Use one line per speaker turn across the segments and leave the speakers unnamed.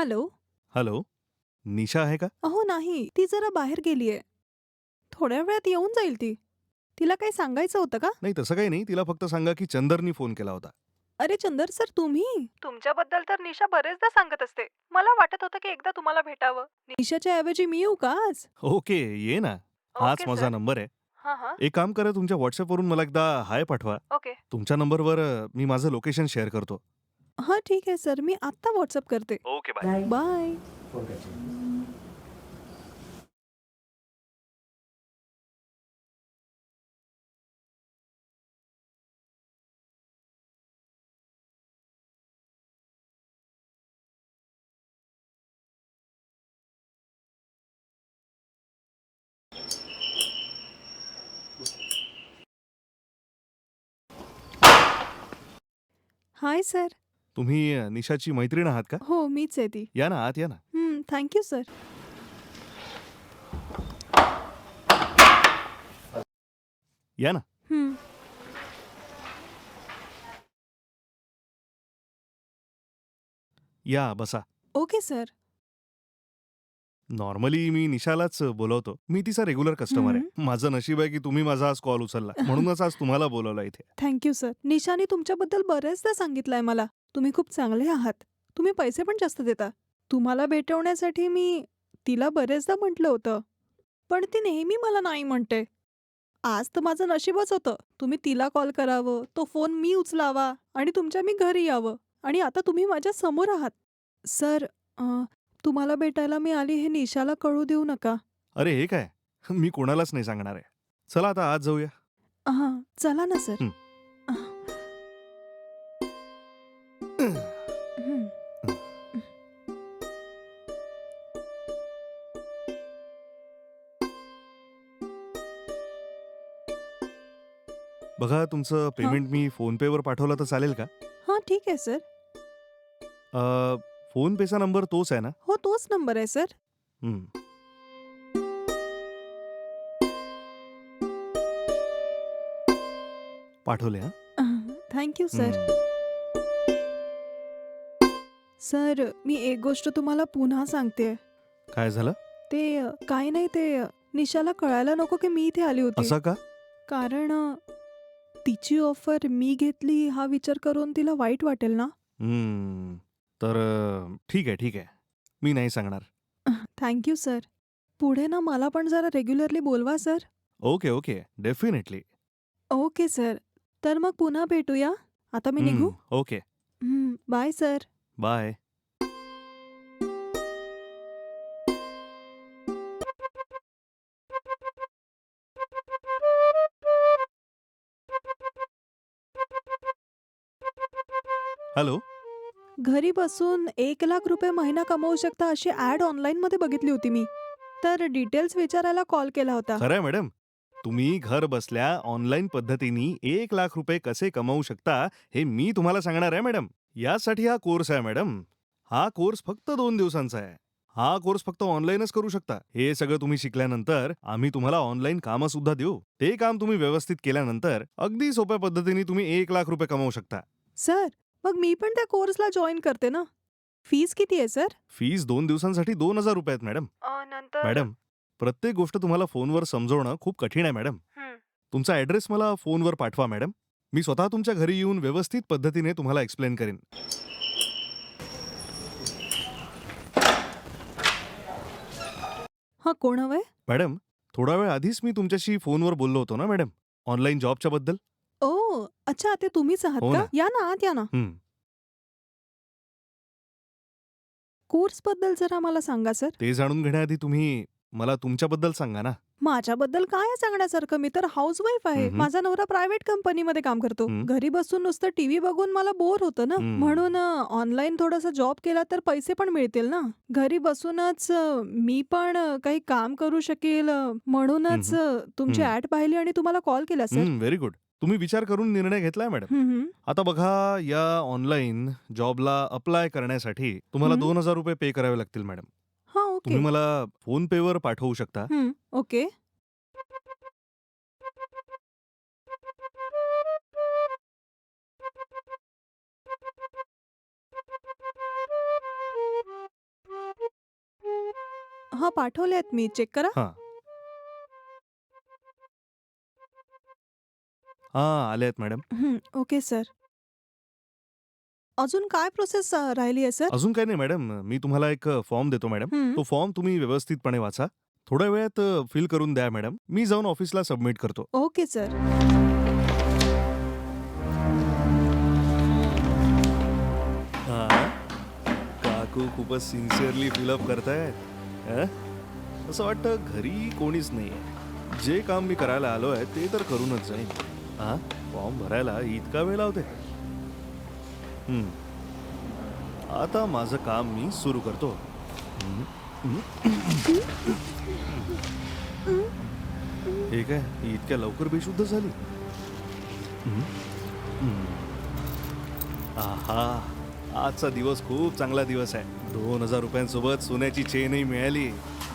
Hello.
Hello, निशा आहे का?
अहो नाही, ती जरा बाहेर गेलीये. थोड्या वेळात येऊन जाईल ती. तिला काही सांगायचं होतं का?
नाही तसं काही नाही. तिला फक्त सांगा की चंदरनी फोन केला होता.
अरे चंदर सर तुम्ही? तुमच्याबद्दल तर निशा बरेचदा सांगत असते. मला वाटत होतं की एकदा तुम्हाला भेटावं. निशाच्या ऐवजी मी येऊ का आज?
ओके, ये ना. हाच
ओके
माझा
सर.
नंबर आहे.
हां, हां.
एक काम करा तुमच्या WhatsAppवरून मला एकदा हाय पाठवा.
ओके.
तुमच्या नंबरवर मी माझं लोकेशन शेअर करतो.
हां, ठीक आहे सर. मी आत्ता WhatsApp करते.
Okay, bye.
Bye. Hi sir.
तुम्ही निशाची मैत्रीण आहात का?
हो, मीच आहे ती.
या ना, आत या ना.
Thank you sir.
या ना.
हं.
या, बसा.
Okay sir.
नॉर्मली मी निशालाच बोलवतो. मी तिचा रेग्युलर कस्टमर
हं.
आहे. माझं नशीब आहे की तुम्ही माझा आज कॉल उचलला. म्हणूनच आज तुम्हाला बोलावलं इथे.
Thank you sir. निशाने तुमच्याबद्दल बरेचदा सांगितलंय मला. तुम्ही खूप चांगले आहात. तुम्ही पैसे पण जास्त देता. तुम्हाला भेटवण्यासाठी मी तिला बरेचदा म्हटलं होतं. पण ती नेहमी मला नाही म्हणते. आज तर माझं नशीबच होतं. तुम्ही तिला कॉल करावं, तो फोन मी उचलावा आणि तुमच्या मी घरी यावं आणि आता तुम्ही माझ्या समोर आहात. सर, तुम्हाला भेटायला मी आली हे निशाला कळू देऊ नका.
अरे हे काय? मी कोणालाच नाही सांगणार आहे. चला आता आत जाऊया.
हां, चला ना सर.
हं.
अह, हं.
बघा तुमचं
हां,
पेमेंट मी फोनपेवर पाठवलं तर चालेल का?
हां, ठीक आहे सर.
फोनपेचा नंबर तोच आहे ना?
हो, तोच नंबर आहे सर.
हं. पाठवले हां.
Thank you sir.
हं.
सर, मी एक गोष्ट तुम्हाला पुन्हा सांगतेय.
काय झालं?
काही नाही निशाला कळायला नको की मी इथे आली होती.
असं का?
कारण तिची ऑफर मी घेतली हा विचार करून तिला वाईट वाटेल ना?
हं. तर ठीक आहे, ठीक आहे. मी नाही सांगणार.
Thank you sir. पुढे ना मला पण जरा रेग्युलरली बोलवा sir.
Okay, okay. Definitely.
Okay sir. तर मग पुन्हा भेटूया. आता मी निघू?
Okay.
Bye sir.
Bye. Hello?
घरी बसून ₹1,00,000 महिना कमवू शकता अशी ॲड ऑनलाईनमध्ये बघितली होती मी. तर डिटेल्स विचारायला कॉल केला होता.
खरं आहे मॅडम. तुम्ही घर बसल्या ऑनलाईन पद्धतीने ₹1,00,000 कसे कमावू शकता, हे मी तुम्हाला सांगणार आहे मॅडम. यासाठी हा कोर्स आहे मॅडम. हा कोर्स फक्त 2 दिवसांचा आहे. हा कोर्स फक्त ऑनलाईनच करू शकता. हे सगळं तुम्ही शिकल्यानंतर आम्ही तुम्हाला ऑनलाईन कामं सुद्धा देऊ. ते काम तुम्ही व्यवस्थित केल्यानंतर अगदी सोप्या पद्धतीने तुम्ही ₹1,00,000 कमावू शकता.
सर, मग मी पण त्या कोर्सला जॉइन करते ना. फीस किती आहे सर?
फीस 2 दिवसांसाठी ₹2,000 आहेत मॅडम.
नंतर
मॅडम, प्रत्येक गोष्ट तुम्हाला फोनवर समजवणं खूप कठीण आहे मॅडम.
हं.
तुमचा ॲड्रेस मला फोनवर पाठवा मॅडम. मी स्वतः तुमच्या घरी येऊन व्यवस्थित पद्धतीने तुम्हाला एक्सप्लेन करेन.
हां, कोण हवंय?
मॅडम, थोडा वेळ आधीच मी तुमच्याशी फोनवर बोललो होतो ना मॅडम, ऑनलाईन जॉबच्या बद्दल?
ओह! अच्छा ते तुम्हीच आहात
हो
का?
ना.
या ना, आत या ना.
हं.
कोर्सबद्दल जरा मला सांगा सर.
ते जाणून घेण्याआधी तुम्ही मला तुमच्याबद्दल सांगा ना.
माझ्याबद्दल काय आहे सांगण्यासारखं? मी तर हाउसवाईफ आहे.
हं, हं.
माझा नवरा प्रायव्हेट कंपनीमध्ये काम करतो.
हं.
घरी बसून नुसतं टीव्ही बघून मला बोर होतं ना.
हं.
म्हणून ऑनलाईन थोडासा जॉब केला तर पैसे पण मिळतील ना. घरी बसूनच मी पण काही काम करू शकेल
हं,
म्हणूनच
हं.
तुमची
हं.
ॲड पाहिली आणि तुम्हाला कॉल केला सर.
Very good. तुम्ही विचार करून निर्णय घेतलाय मॅडम.
हं, हं.
आता बघा, या ऑनलाईन जॉबला अप्लाय करण्यासाठी तुम्हाला
हं.
₹2,000 पे करावे लागतील मॅडम.
हां,
तुम्ही
ओके.
मला फोनपेवर पाठवू शकता.
ओके. हा पाठवले आहेत मी, चेक करा.
हां. हां, आले आहेत मॅडम.
Okay sir. अजून काय प्रोसेस राहिली आहे सर?
अजून काही नाही मॅडम. मी तुम्हाला एक फॉर्म देतो मॅडम. तो फॉर्म तुम्ही व्यवस्थितपणे वाचा. थोड्या वेळात फिल करून द्या मॅडम. मी जाऊन ऑफिसला सबमिट करतो.
Okay sir.
हां. काकू खूपच सिन्सिअरली फिलअप करतायत. हं? असं वाटतं घरी कोणीच नाहीये. जे काम मी करायला आलोय ते तर करूनच जाईन. हां, फॉर्म भरायला इतका वेळ लावते. आता माझं काम मी सुरू करतो. हे काय, ही इतक्या लवकर बेशुद्ध झाली? आहा, आजचा दिवस खूप चांगला दिवस आहे. 2,000 रुपयांसोबत सोन्याची चेनही मिळाली.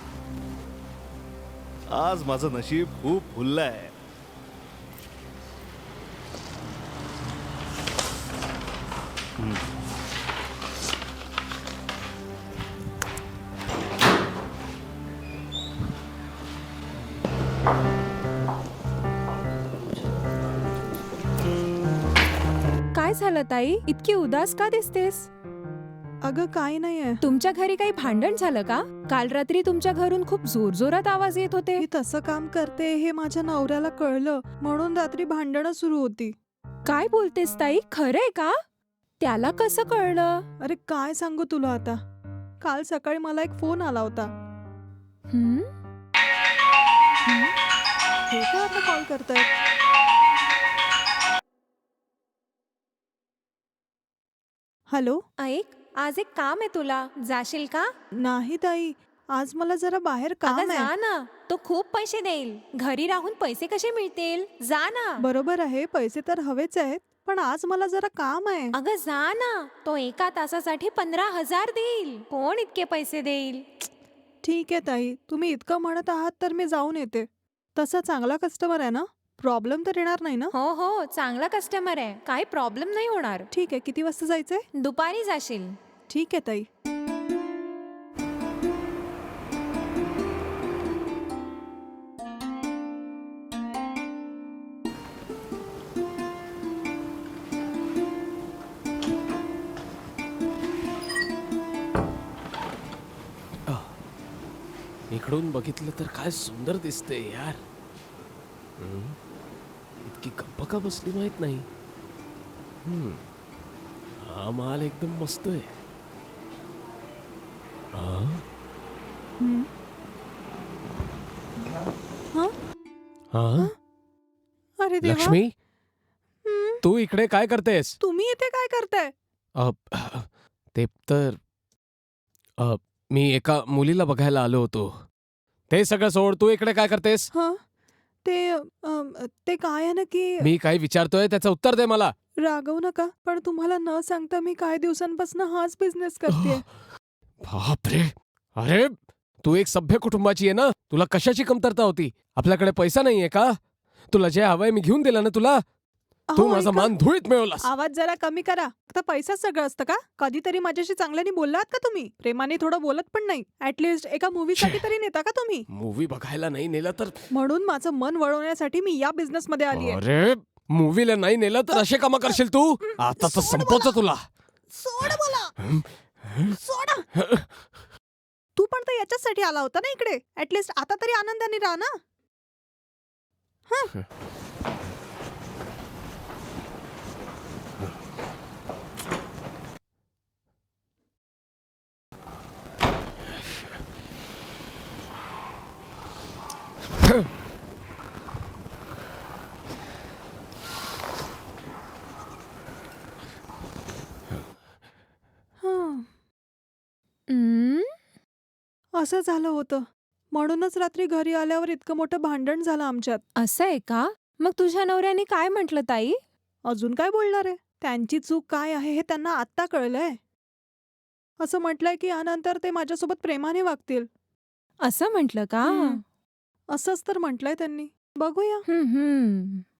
आज माझं नशीब खूप फुललं आहे.
काय झालं ताई? इतकी उदास का दिसतेस?
अगं काय नाहीये.
तुमच्या घरी काही भांडण झालं का? काल रात्री तुमच्या घरून खूप जोरजोरात आवाज येत होते.
मी तसं काम करते हे माझ्या नवऱ्याला कळलं, म्हणून रात्री भांडणं सुरू होती.
काय बोलतेस ताई? खरंय का? त्याला कसं कळलं?
अरे काय सांगू तुला आता. काल सकाळी मला एक फोन आला होता.
हं?
हे काय आता कॉल करतायत? हॅलो.
ऐक, आज एक काम आहे तुला. जाशील का?
नाही ताई, आज मला जरा बाहेर
अगं
काम आहे.
जा ना. तो खूप पैसे देईल. घरी राहून पैसे कसे मिळतील? जा ना.
बरोबर आहे, पैसे तर हवेच आहेत, पण आज मला जरा काम आहे.
अगं जा ना. तो एका तासासाठी 15,000 देईल. कोण इतके पैसे देईल?
ठीक आहे ताई, तुम्ही इतकं म्हणत आहात तर मी जाऊन येते. तसा चांगला कस्टमर आहे ना? प्रॉब्लेम तर येणार नाही ना?
हो हो, चांगला कस्टमर आहे. काही प्रॉब्लेम नाही होणार.
ठीक आहे, किती वाजता जायचंय?
दुपारी जाशील.
ठीक आहे ताई.
इकडून बघितलं तर काय सुंदर दिसते यार. इतकी गप्प का बसली माहित नाही. हा माल एकदम मस्त आहे.
हं?
हा?
अरे देवा.
लक्ष्मी,
हं?
तू इकडे काय करतेस?
तुम्ही इथे काय करताय?
अ, ते तर मी एका मुलीला बघायला आलो होतो. ते सगळं सोड, तू इकडे काय करतेस?
हं? ते काय आहे ना की
मी काय विचारतोय त्याचं उत्तर दे मला.
रागवू नका, पण तुम्हाला न सांगता मी काही दिवसांपासून हाच बिझनेस करते.
बापरे. अरे, तू एक सभ्य कुटुंबाची आहे ना. तुला कशाची कमतरता होती? आपल्याकडे पैसा नाहीये का? तुला जे हवंय मी घेऊन दिलं ना तुला. तू माझा मान धुळीत मिळवलास.
आवाज जरा कमी करा. आता पैसा सगळं असतं का? कधीतरी माझ्याशी चांगल्याने बोललात का तुम्ही? प्रेमाने थोडं बोलत पण नाही. ऍटलिस्ट एका मूवीसाठी तरी नेता का तुम्ही?
मूवी बघायला नाही नेलं तर?
म्हणून माझं मन वळवण्यासाठी मी या बिझनेस मध्ये आली आहे.
अरे, मूवीला नाही नेलं तर असे कामं करशील तू? आता तर संपवतो तुला.
सोड मला. सोड. तू पण तर याच्यासाठी आला होता ना इकडे. ऍटलिस्ट आता तरी आनंदाने राहा ना. हं. हं.
हं?
असं झालं होतं. म्हणूनच रात्री घरी आल्यावर इतकं मोठं भांडण झालं आमच्यात.
असं आहे का? मग तुझ्या नवऱ्याने काय म्हटलं ताई?
अजून काय बोलणार आहे? त्यांची चूक काय आहे हे त्यांना आत्ता कळलंय. असं म्हटलंय की यानंतर ते माझ्यासोबत प्रेमाने वागतील.
असं म्हटलं का?
हं. असंच तर म्हटलंय त्यांनी. बघूया.
हं, हं.